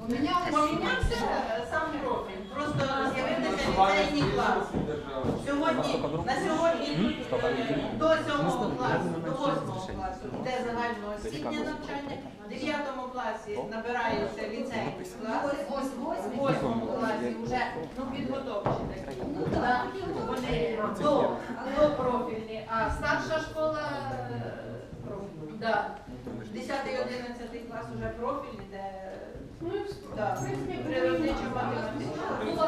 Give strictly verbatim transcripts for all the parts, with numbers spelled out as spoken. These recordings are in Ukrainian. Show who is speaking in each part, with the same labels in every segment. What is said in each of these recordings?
Speaker 1: Помінявся сам профіль, просто з'явився ліцейний клас. Сьогодні, на сьогодні до сьомого класу, до восьмого класу йде загальноосвітнє навчання, в дев'ятому класі набирається ліцейний клас, в восьмому класі вже ну, підготовчі такі. Вони до, до профільні, а старша школа да, десятий-одинадцятий клас вже профільні, де природничо-математична.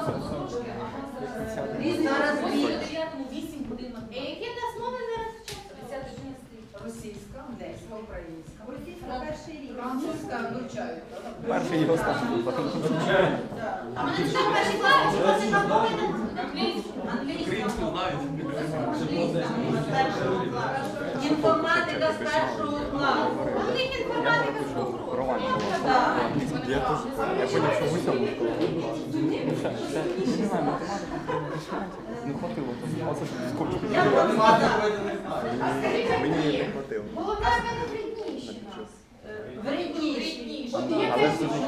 Speaker 1: Зараз
Speaker 2: вісім годин.
Speaker 3: Які нас мови зараз вчаться?
Speaker 1: російська, англійська, українська.
Speaker 3: Російська перший рік.
Speaker 1: Французька вивчають.
Speaker 4: Перший його старший.
Speaker 3: А мене читав перший клас, що це на мови
Speaker 1: Англійська. Англійська з першого класу. Інформатика з першого класу.
Speaker 3: У них інформатика з двох років.
Speaker 4: Я теж, я поняв, що в усьому школі. Ще, ще, не знаю, математика, не хватило. Оце скучно.
Speaker 1: Я вам сказала.
Speaker 4: Мені не хватило.
Speaker 3: Головне, в мене вредніші нас.
Speaker 1: Вредніші.
Speaker 4: Але ж дуже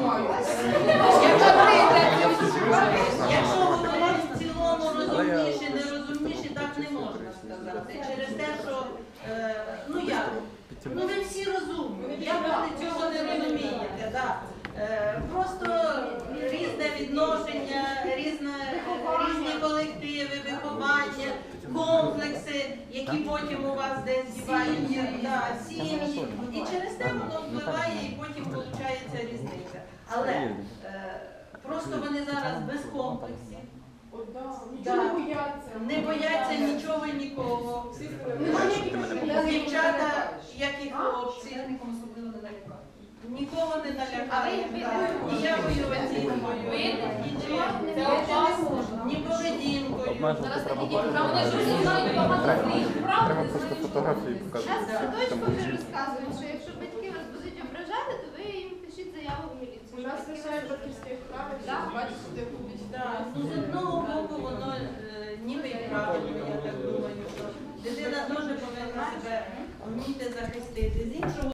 Speaker 1: Якщо говорити в цілому розумніші, нерозумніші, так не можна сказати. Через те, що, е, ну як, ну ви всі розумні, як ви цього не розумієте, да. Е, просто різне відношення, різне, різні колективи, виховання, комплекси, які потім у вас десь діваються, да, сім'ї. І через те воно впливає і потім виходить різниця. Але е, просто вони зараз без комплексів. Да. Не бояться нічого і нікого. Дівчата, як і хлопці, нікого не налякають. Ніякою оцінкою, ні поведінкою.
Speaker 4: обмежувати треба бути.
Speaker 2: Вони ж усі знають багато слів.
Speaker 4: Треба просто фотографії
Speaker 3: Нас
Speaker 4: показувати.
Speaker 3: в садочку вже розказують, що якщо батьки вас будуть ображати, то ви їм пишіть заяву в міліцію.
Speaker 5: У нас лишають батьківських прав,
Speaker 3: Да.
Speaker 5: бачите, де ходить.
Speaker 1: Да, ну, з одного боку воно е, ніби і правильно, я так думаю, що дитина теж повинна себе вміти захистити. З іншого